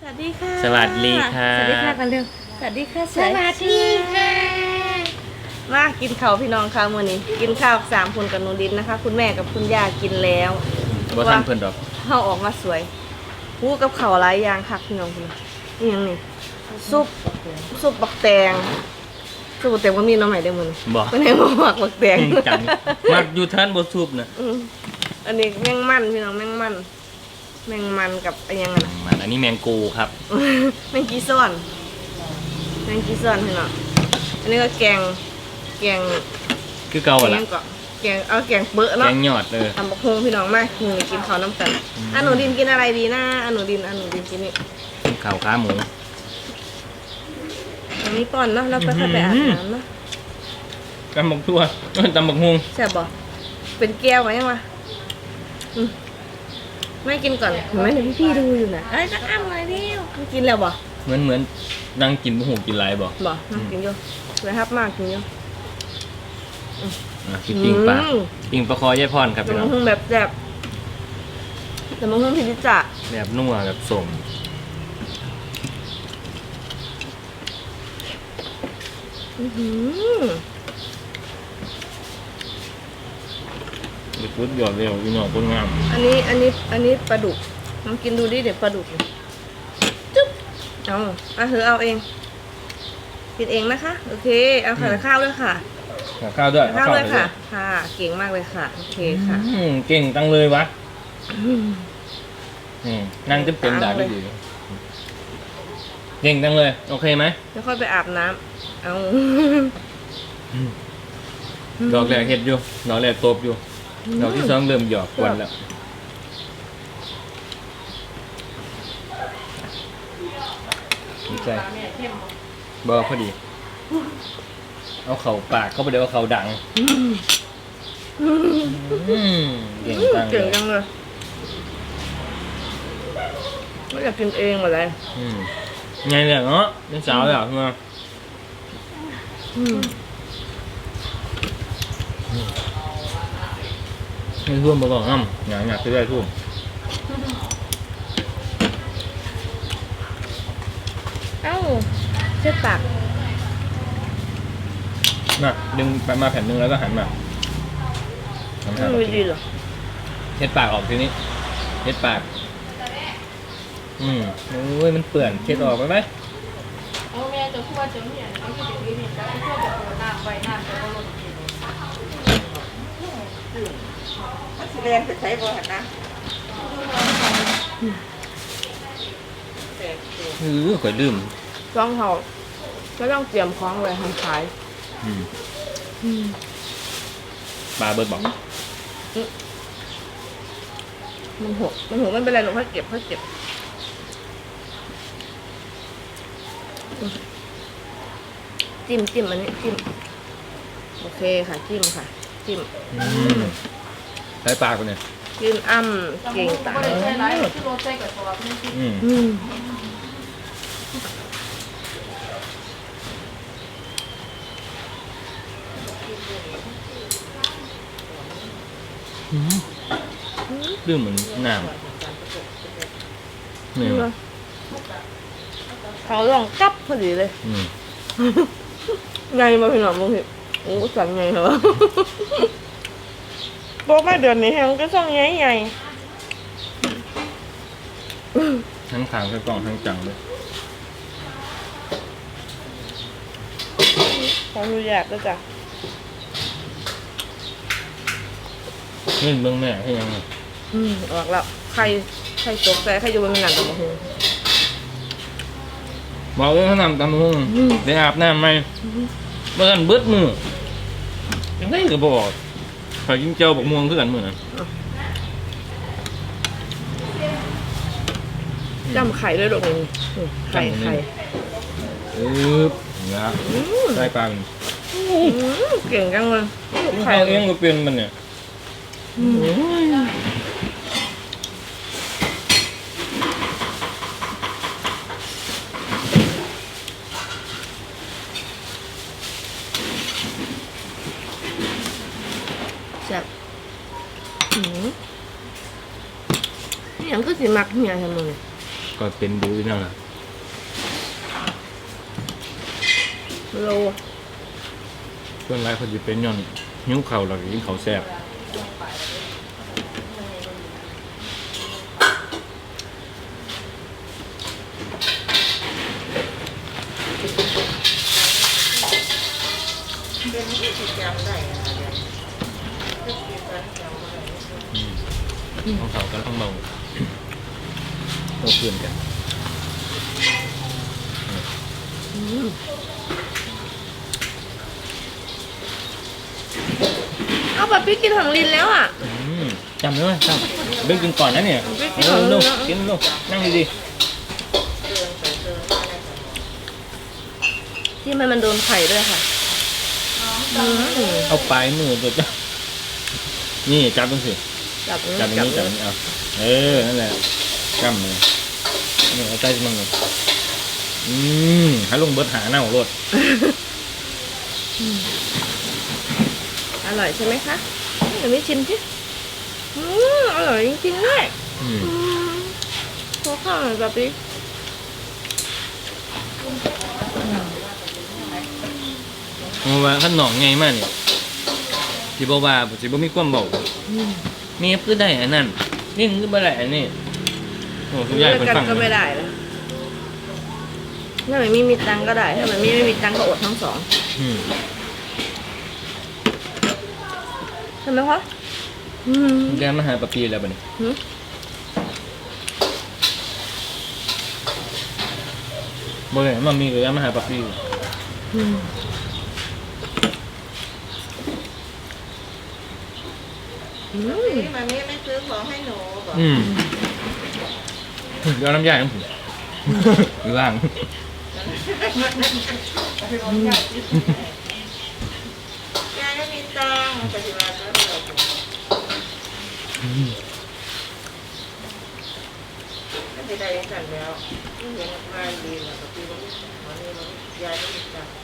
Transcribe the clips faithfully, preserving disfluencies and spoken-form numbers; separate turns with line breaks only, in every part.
วัสดีค่ะ
สวัสดีค่ะ
สวัสดีค่ะกันเร็วสวัสดีค่ะ
สวัสดีค่ะ
มากินข้าวพี่น้องค่ะมื้อนี้กินข้าวสามคนกับหนูดินนะคะ คุณแม่กับคุณย่ากินแล้ว
บ่ทันเพิ่นดอก
เฮาออกมาสวยหูกับข้าวหลายอย่างคักพี่น้องคุณนี่ยังนี่ซุปซุปบักแตงซุปบักแตงบ่มีหน้ำใหม่ได้มื้อนี้
บ่
เพิ่นให้มาหมักบักแตง
จังมักอยู่ท่านบ่ซุปน่ะ
อืมอันนี้แมงมันพี่น้องแมงมันแมงมันกับอะไรยังไงนะ
มันอันนี้แมงกูครับ
แมงกีซ่อนแมงกีซ่อนพี่น้องอันนี้ก็แกงแกง
คือเก่า
แก
ล่ะ
งก็แกงเอาแกงเปื้อ
แก
เนาะ
งยอดเออ
ทำบักฮงพี่น้องมากหนูกินข้าวน้ำกันอันหนูดินกินอะไรดีนะอันหนูดินอันหนูดินกินนี่
ข้าวขาหมู
อันนี้ก่อนเนาะแล้วก็ค่อยไปอาบน้ำเนาะ
ตำบักทั่วตำบักฮุง
แซ่บบ่เป็นแก้วไหมยังวะอืมไม่กินก่อนเห็นไหมพี่พี่ๆดูอยู่นะเอ้ยจะอ้ามเลยดิวไม่กินแล้วบ่
เหมือนเหมือนนั่งกินบ่ฮู้กินหลายบ่
บ่น่ากินอยู่เลยครับมากกินอยู่
อ่ะสิปิ้งปลา
อืม
ปิ้งปลาคอยายพรครับ
แต่
พี่น้
มั
อน ง
คงแบบแบบแต่มันคงพิจิจ่า
แบบนัวแบบสม
อือหือ
เด็กพุดยอดเร็วพี่น้องคนงาม
อันนี้อันนี้อันนี้ปลาดุกลองกินดูดิเดี๋ยวปลาดุกเนี่ยจุ๊บเอาเอาเธอเอาเองกินเองนะคะโอเคเอาค่ะข้าวด้วยค่ะ
กับข้าวด้วย
ข้าวด้วย
ไป
ค่ะ ค่ะ เก่งมากเลยค่ะโอเคค่ะ
อืมเก่งจังเลยวะอืมนั่งเต็มๆด่าไม่ดีเก่งจังเลยโอเคไหม
แล้วค่อยไปอาบน้ำเอา
ดอกแรกเฮ็ดอยู่ดอกแรกตบอยู่ดอกที่สองเริ่มหยอกกวนแล้วดีใจบอพอดี เอาเข่าปากเข้าไปเดี๋ยวเอาเข่าดังอืมเก่งจังเล
เก่ง
ย
จังเลยไม่อยากกินเองหมดเลย
อืมไงเนี่ยเนาะเป็นสาวแล้วใช่ไหม
อืม
ให้ท่วมมาบอกอ้ำหยาหยาจะได้ท่วม
เอ้าเช็ดปาก
น่ะดึงไปมาแผ่นหนึงแล้วก็หันมาหัน
ไม่
มา
รู้ดีเหรอ
เช็ดปากออกทีนี้เช็ดปากอืมโอ้ยมันเปื่อนเช็ดออกไปไหม
เอาแม่จะพูดว่าจะไม่เห็นเอาที่เด็กนี่เนี่ยจะพูดแบบโดนน้ำไปน้ำจะก็ลด
สีแดงไปใช้บ่หันนะ
เออข่อยลืม
ต้องเขาก็ต้องเตรียมของไว้ทำขาย
อืมปลาเบิร์ดบอก
มันหกมันหกไม่เป็นไรหนูค่อยเก็บค่อยเก็บจิ้มจิ้มอันนี้จิ้มโอเคค่ะจิ้มค่ะจิ้ม
อืมใช้ปากไปเนี่ย
จิ้มอ้ำเก่งตา
ก็เลยใช้ไรที่รถใช้กับตัวนี่ที่
อืม
อืม
ลืมเหมือนน้ำเนี่ย
เขาลองจับพอดีเลย
อืม
ไงมาพี่หน่อมึงเห็นโอ้สั่งไงเหรอบอกมาเดือนนี้แฮงก็สั่งไงไง
ทั้งขางทั้งกล่องทั้งจังเลย
ขออนุญาตด้วยจ้ะ
เล่นเบื้องแม่ให้ยังไง
อืมออกแล้วใครใครตกใจใครอยู่บนหนังตัวมึง
บอกเลยเขานำตามมือได้อาบน้ำไหมเมื่อกันเบิดมือยังไงก็บอกข่อยกินเจียวบักม่วงคือกันมือนั้น
จำไข่ด้วยหรอกนี่ไข่ไข่
อึ๊บนะได้ปลาเป็น
อืมเก่งจังเลย
ไข่เองก็เป็นมันเนี่ย
แซ่บอืมนี่ยังก็สิมักเมียทำไม
ก็เป็นดูนั่นแหละ
โล
ส่วนไรเขาจะเป็นย้อนหิ้วเข่าหรือกินเขาวแซ่บ
เป็นที่ติดจำได้นะเดี๋ยวจะกินกันจำได้
ต้องเขากันต้องเบาต้องเพื่อนกัน
อืมเอาแบบพี่กินของลินแล้วอ่ะ
อืมจำได้ไหมจำเบิ้งกินก่อนนะเนี่ย
เบิ้งกิน
เอ
ก่อน
อ
เลย
ลูก
นะ
กินลูกนั่งดี
เตือนใส่เตือนมาได้ตลอด
ที่มันมันโดนไข่ด้วยค่ะอืม
ๆเอาปลายมือตัวจ้ะนี่จับตรงสิ
จับ
จับตรง
จับ
นี้จับตรงนี้เอาเออนั่นแหละกำเลยนี่เอาใจมันเลยอืมให้ลงเบิดหาหน้าของรถ
อร่อยใช่ไหมคะเดี๋ยวไม่ชิมสิอืมอร่อยจริงๆด้วย
อืม
อืมขอข้าวหน่อยแบบนี้
เพราะว่าขั้นหนองไงมากเนี่ยที่บอกว่าสิบ่มีความบอก
อืม
เมียคือได้อันนั้นนี่มันคือบ่ได้อันนี้โอ้ทุกอย่าง
ด้
เป็
วน ยกัน
ฟัง
ก็ไม่ได้แล้วถ้ามันไม่มีตังค์ก็ได้ ถ้ามันไม่ไม่มีตังค์ก็อดทั้งสอง
อืม
ใช่ไหมคะอืม
แกมาหาปะปีแล้วบัดนี้
หืม
บ่ได้มามีก็ยังมาหาปะปี
อืมอืม
นี่มามีไม่ซื้อของให้หนูบอก
อืมเดี๋ยวน้ำยาของผมอยู่ล่าง
ยายไม่มีตังค์ปฏิบัติแล้วเราไม่ได้ได้กันแล้วไม่เห็นมาดีแล้วปฏิบัติวันนี้มันยายไม่มีตังค์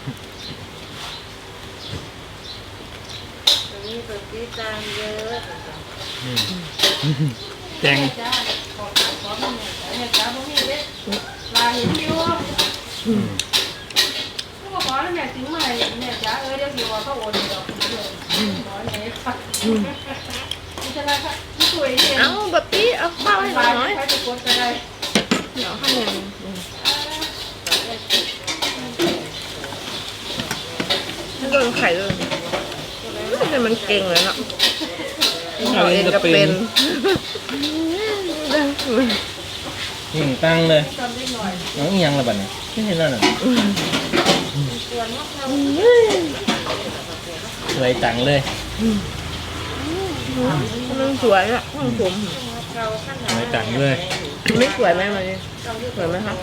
ตอนนี้ปฏิตังค์เยอะ
อืมแจง
จ้าขอขอขอมาเนี่ยจ้าบ่มีเด้ลาเห็นอยู่
อืม
ก็ขอแล้วแม่ถึงมาให้แม่จ้าเออเดี๋ยวสิว่าเขาโอนดอกเดี๋ยวขอแม่ค่ะนี่จะได้ค่ะนี่สวยเนี่ย
เอาแบบนี้เอาข้าวให้หน่
บา
อย
ยใครจะกดก็ได้
เดี๋ยวให้ยังถ้าโดนไข่เลยแต่มันเก่งเลยเนาะเราเองก็เป็น
ยิ่งตั้งเลย
จำได้หน่อย
น้องอีหยังละบัดนี้ไม่เห็นแล้วน่ะสวยจังเลย
มันสวยอ่ะห้องผม
สวยจังเลย
ไม่สวยไหมมันสวยไหมคะ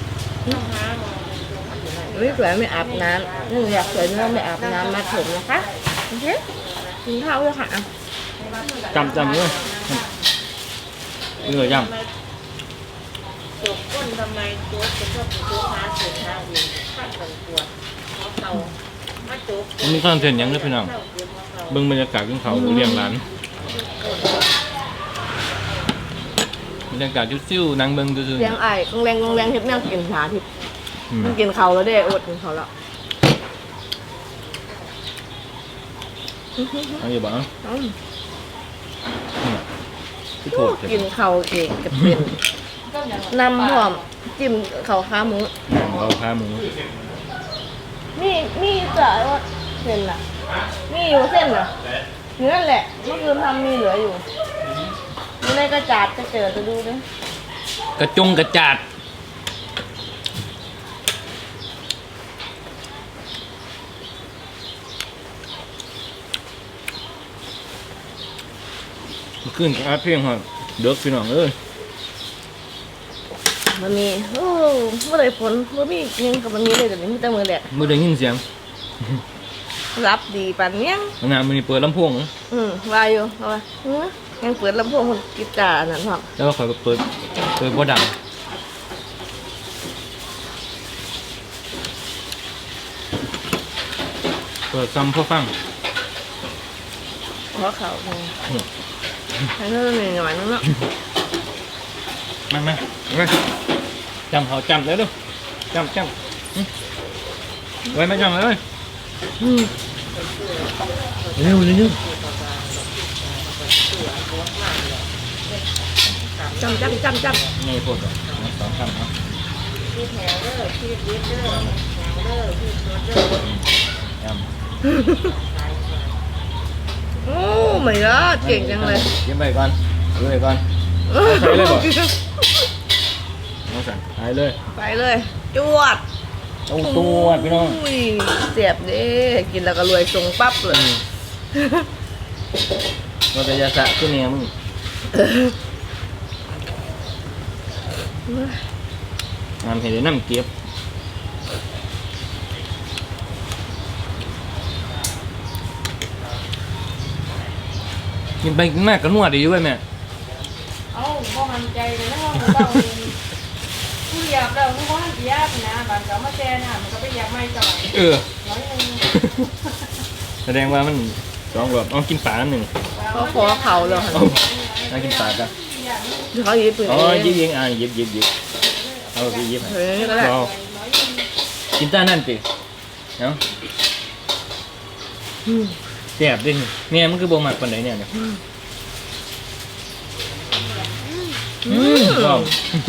ไม่สวยไม่อาบน้ำนี่อยากสวยไม่ต้องไปอาบน้ำมาผมนะคะโอเคกินข้าวเลยค่ะ
จำจำเลยเหนื่อยยัง
จบก้นทำไมโจ๊กจะชอบโจ๊กหาเสียงหาเองขั้นตอนปวดเขาเตามาโจ๊ก
มันมีคอนเทนต์หยังเด้อพี่น้องเบิ่งบรรยากาศขึ้นเขาเรียงร้านบรรยากาศซิ่วๆนั่งเบิ่งซื่อ
เลี้ยงไอ้กงแรงกงแรงทิพย์แม่กินขาทิพย์
ๆอืม
มันกินเขาแล้วเด้อดกินเขาแล้ว
เอาอยู่บ่เอ้า
อืม
คือโทษเถ
กิ
อะ
นเขาเองกับเป็น
ก็อย่าง
นำหอมจิ้มเขาขาหมู
เราพาหมู
นี่นี่จะว่าเส้นน่ะนี่อยู่เส้นน่ะเนื้อแหละเมื่อคืนทำมีเหลืออยู่อยู่ในกระจาดจะเจอจะดูด้วย
กระจงกระจาดขึ้นกับอาเพียงครับเด็กพี่น้องเอ้ย
มันมีโอ้เมื่อไรฝนเมื่อมียังกับมันมีเลยแต่นี้มีแต่มือแหละ
มื่อได้ยินเสียง
รับดีปันยัง
ขณะมันนี่เปิดลำโพง
อืมวาอยู่เอาไว้เออยังเปิดลำโพงคนกีตาร์อันนั้นหรอก
แล้วก็คอยเปิดเปิดบ่ดังเปิดซ้ำพ่อฟัง
เพราะเขาเนี่ยให้เราหน่อยหน่อยนึงเนาะ
มามามาจำเขาจำแล้วดูจำจำอืมไว้ไม่จำเลยอืมเร็วเร็ว
จำจำจำจำ
นี่พูดก่อนสองคำเนาะ
พี่แถวเด้อพี่เลี้ยงเด้อแถวเด้อพี่ตัวเด้อ
จ
โอ้ไม่ละ
ำ
เก่งจังเลย
ยิ้มไปก่อนดูไปก่อนใส่เลยบ่น้องสั่งหายเลย
ไปเลยจวด
เอาตัวพี่น้อง
อุ้ยเสียบเด้กินแล้วก็รวยทรงปั๊บเลย
เราจะยาสะขึ้นเนี่ยมึงงานเห็นน้ำเก็บกินไปกินมากก็นวดดีด้วยแม่
เอ้าบ่มั่นใจเลยนะว่าเราผู้เหยียบเราผู้ว่าเหยียบนะบางก็มาแช่น่ะมันก็ไปเหยียบไม่จ่อย
เออ
น้อยนึง
แสดงว่ามันสองแบบต้องกินฝาหนึ่ง
เขาขอเขาเลย
เอาเอากินฝากัน
เขาหยิบปืน
อ๋อ
เอง
ยิบยิงอ่ะยิบยิบยิบเอาไปยิบ
เฮ้ยก็ได้
เอากินต้านั่นสิเนาะแซ่บดิเนี่ยมันคือโบหมักปานไหนเนี่ยเนี่ยอืมชอบ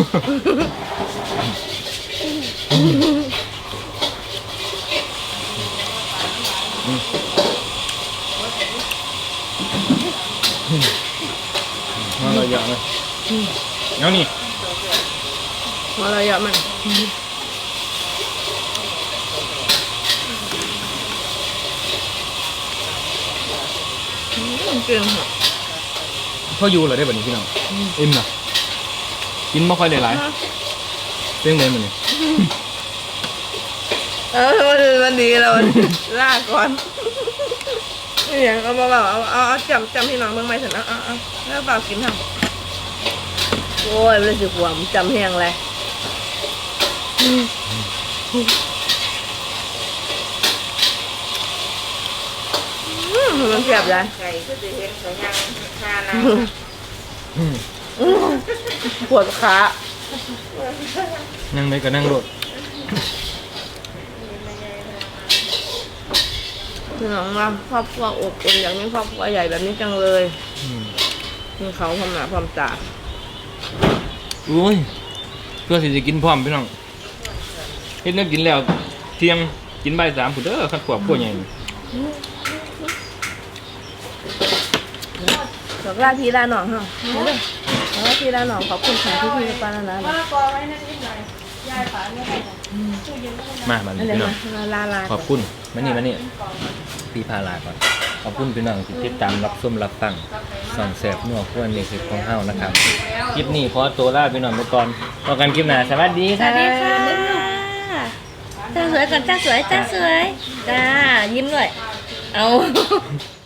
มาเราเยอะเลยเอานี่
มาเลยอะมันเก่งเหรอ
พ่อยูเหรอได้แบบนี้พี่น้องอิ่มเหรอกินไม่ค่อยได้หลายเรื่องเลยมันนี่
เออมันมันดีแล้วมันลาก่อนนี่อย่างเอามาแบบเอาเอาเอาจำจำพี่น้องเมืองไม่ถึงเอาเอาเอาแล้วเปล่ากินทำโอ้ยไม่สิขวามจำแห้งเลยมันเสียบเลย
ไก่ก็จะเห็นเขายังคานะ
ปวดขา
นั่งได้ก็นั่งรถ
พี่น้องว่าครอบครัวอบอุ่นอย่างนี้ครอบครัวใหญ่แบบนี้จังเลยมีเขาพร้อมหน้าพร้อมตา
อุ้ยเพื่อที่จะกินพร้อมพี่น้องเฮ็ดเนื้อกินแล้วเที่ยงกินบ่ายสามผุดเด้อขัดขวบพวกใหญ่
ดอกลาพี่ลาหนองฮะเอาเลยดอกลาพี่ลาหนองขอบคุณค่ะที่พี่ปานานะ
มะละกอไว้นั่นนิดหน่อยยายฝานไม่ได้ตู้เย็นก็ไม่ได้
มาบัด
อัน
นี้
เดี๋ยว
พี่น้อง
มาลาลา
ขอบคุณมานี่มานี่พี่พาลาก่อนขอบคุณพี่น้องที่ติดตามรับชมรับฟังส่องแสบนัวควนในคลิปของเฮานะครับคลิปนี้ขอตัวลาพี่น้องไปก่อนพบกันคลิปหน้าสวัสดี
ส
ค่ะ
วัสดีค่ะจ้าสวยก่อนจ้าสวยจ้าสวยจ้ายิ้มด้วยเอา